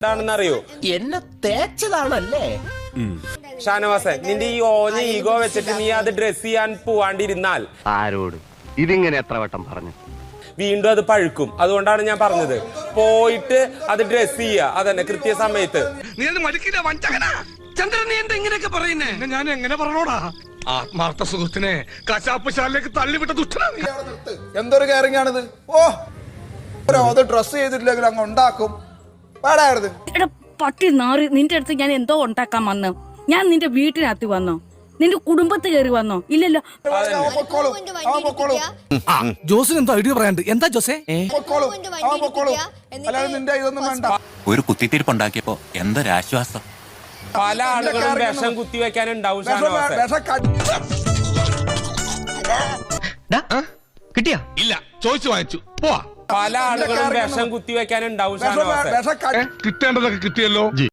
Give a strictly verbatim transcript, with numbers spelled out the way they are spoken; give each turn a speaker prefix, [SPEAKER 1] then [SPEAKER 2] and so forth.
[SPEAKER 1] എന്താണെന്നറിയോ?
[SPEAKER 2] എന്നെ തേച്ചതാണല്ലേ?
[SPEAKER 1] ഷാനവാസൻ, നിന്റെ ഈ ഓഞ്ഞ ഈഗോ വെച്ചിട്ട് നീ അത് ഡ്രസ് ചെയ്യാൻ പോവാണ്ടിരുന്നാൽ
[SPEAKER 3] ആരോട് ഇതിങ്ങനെ എത്ര വട്ടം പറഞ്ഞു?
[SPEAKER 1] വീണ്ടും അത് പഴുക്കും. അതുകൊണ്ടാണ് ഞാൻ പറഞ്ഞത്, പോയിട്ട് അത് ഡ്രസ് ചെയ്യുക. അതന്നെ കൃത്യസമയത്ത്.
[SPEAKER 4] നീ അത് മടുക്കില്ല വഞ്ചകനാ ചന്ദ്രൻ. നീ എന്താ ഇങ്ങനെയൊക്കെ പറയുന്നേ? ഞാൻ എങ്ങനെ പറഞ്ഞോടാ? ആത്മാർത്ഥ സുഹൃത്തിനെ കശാപ്പ് ശാലയിലേക്ക് തള്ളിവിട്ട ദുഷ്ടനാ നീ.
[SPEAKER 5] എന്തൊരു കെയറിംഗ് ആണിത്. ഓ അത് ഡ്രസ് ചെയ്തിട്ടില്ലെങ്കിൽ അങ്ങ് ഉണ്ടാക്കും.
[SPEAKER 6] എടാ പട്ടി നാറി, നിന്റെ അടുത്ത് ഞാൻ എന്തോ ഉണ്ടാക്കാൻ വന്നു? ഞാൻ നിന്റെ വീട്ടിനകത്ത് വന്നോ? നിന്റെ കുടുംബത്ത് കയറി വന്നോ? ഇല്ലല്ലോ.
[SPEAKER 4] ജോസിന് എന്തോ ഐഡിയ പറയാണ്ട്. എന്താ ജോസേ?
[SPEAKER 5] നിന്റെ ഇതൊന്നും വേണ്ട.
[SPEAKER 7] ഒരു കുത്തിത്തിരിപ്പുണ്ടാക്കിയപ്പോ എന്തൊരാശ്വാസം.
[SPEAKER 1] പല ആളുകളും വിഷം കുത്തിവെക്കാനുണ്ടാവും.
[SPEAKER 4] കിട്ടിയാ? ഇല്ല, ചോദിച്ചു വാങ്ങിച്ചു. പോവാ.
[SPEAKER 1] പല ആളുകളും വിഷം കുത്തിവെക്കാനുണ്ടാവും.
[SPEAKER 4] കിട്ടേണ്ടതൊക്കെ കിട്ടിയല്ലോ.